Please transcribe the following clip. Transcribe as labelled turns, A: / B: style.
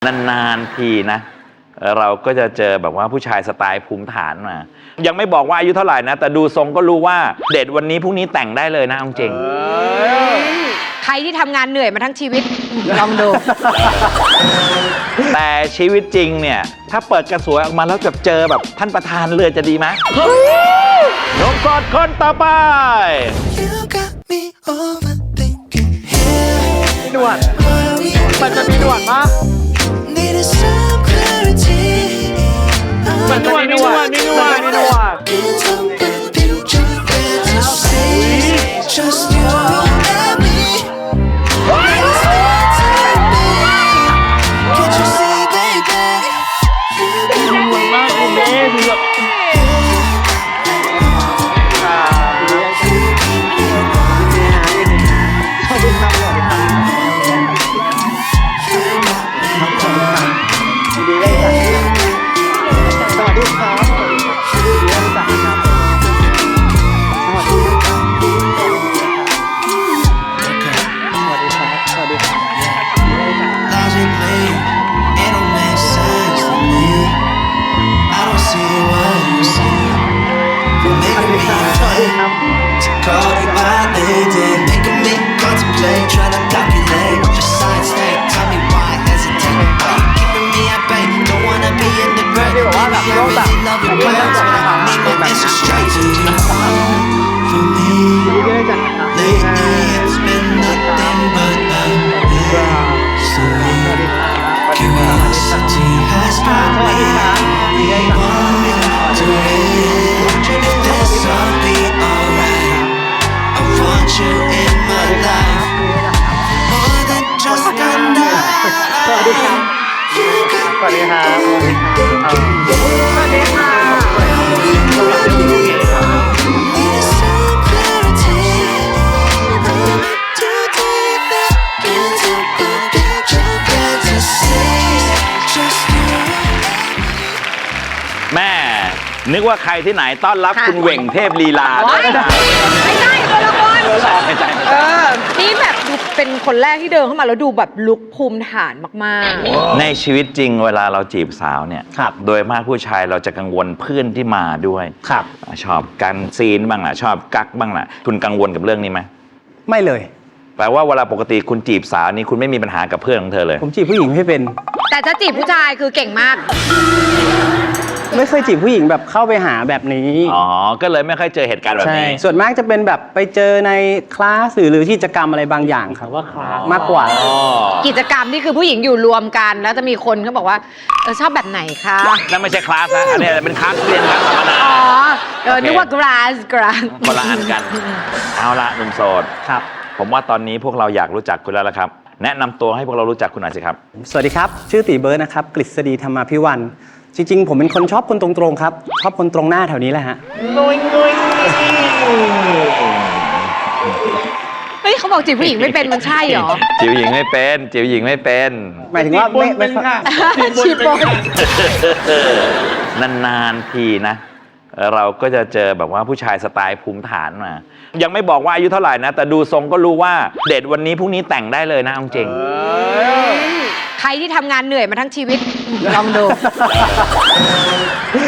A: นานๆทีนะเราก็จะเจอแบบว่าผู้ชายสไตล์ภูมิฐานมายังไม่บอกว่าอายุเท่าไหร่นะแต่ดูทรงก็รู้ว่าเดทวันนี้พรุ่งนี้แต่งได้เลยนะจริง
B: ใครที่ทำงานเหนื่อยมาทั้งชีวิตลองดู
A: แต่ชีวิตจริงเนี่ยถ้าเปิดกระสวยออกมาแล้วจะเจอแบบท่านประธานเลยจะดีไหมหนุ่มโสดคนต่อไป
C: หนวดมันจะมีหนวดปะมันจะมีหนวดมีหนวดมีหนวด
D: Call you my lady, making me contemplate, trying to calculate your side state. Tell me why hesitate? Why you keeping me at bay? Don't wanna be in the break. Baby, I really love your plans, but I need my answer straight. Do you fall for me? Lately it's been nothing but a mystery. Curiosity has brought me wondering if this will be alright. I want you in my life more than just a night.
C: สวัสดีครับสวัสดีครับสวัสดีค่ะ
D: Need some clarity. Too deep into the picture fantasies. Just you.
A: แม่นึกว่าใครที่ไหนต้อนรับคุณเหว่งเทพลีลา
B: ไม่ใช่คนละคน
A: ไม่ใช่
B: นี่แบบดูเป็นคนแรกที่เดินเข้ามาแล้วดูแบบลุคภูมิฐานมาก
A: ในชีวิตจริงเวลาเราจีบสาวเนี่ยโดยมากผู้ชายเราจะกังวลเพื่อนที่มาด้วยชอบกันซีนบ้างล่ะชอบกักบ้างล่ะคุณกังวลกับเรื่องนี้ไหม
C: ไม่เลย
A: แปลว่าเวลาปกติคุณจีบสาวนี่คุณไม่มีปัญหากับเพื่อนของเธอเลย
C: ผมจีบผู้หญิงไม่เป็น
B: ๆ แต่จะจีบผู้ชายคือเก่งมาก
C: ไม่เคยจีบผู้หญิงแบบเข้าไปหาแบบนี้
A: อ๋อก็เลยไม่ค่อยเจอเหตุการณ์แบบนี้
C: ส่วนมากจะเป็นแบบไปเจอในคลาสหรือกิจกรรมอะไรบางอย่างครับว่าคลาสมากกว่า
B: กิจกรรมนี่คือผู้หญิงอยู่รวมกันแล้วจะมีคนเขาบอกว่าชอบแบบไหนคะ
A: นั่นไม่ใช่คลาสนะอันนี้เป็นคลาสเรียนคลาสธรรมดา
B: อ๋อนึกว่ากราส
A: คนละอันกันเอาละหนุ่มโสด
C: ครับ
A: ผมว่าตอนนี้พวกเราอยากรู้จักคุณแล้วละครับแนะนำตัวให้พวกเรารู้จักคุณหน่อยสิครับ
C: สวัสดีครับชื่อตีเบิร์ดนะครับกฤษฎีธรรมาภิวันจริงๆผมเป็นคนชอบคนตรงๆครับชอบคนตรงหน้าแถวนี้แหละฮะ
B: เฮ้ยเขาบอกจีบผู้หญิงไม่เป็นมันใช่เหรอ
A: จีบหญิงไม่เป็นจีบหญิงไม่เป็น
C: หมายถึงว่าไม่ค่ะ
B: จีบบน
A: นานๆทีนะเราก็จะเจอแบบว่าผู้ชายสไตล์ภูมิฐานมายังไม่บอกว่าอายุเท่าไหร่นะแต่ดูทรงก็รู้ว่าเดทวันนี้พรุ่งนี้แต่งได้เลยนะจริง
B: ใครที่ทำงานเหนื่อยมาทั้งชีวิตลองดู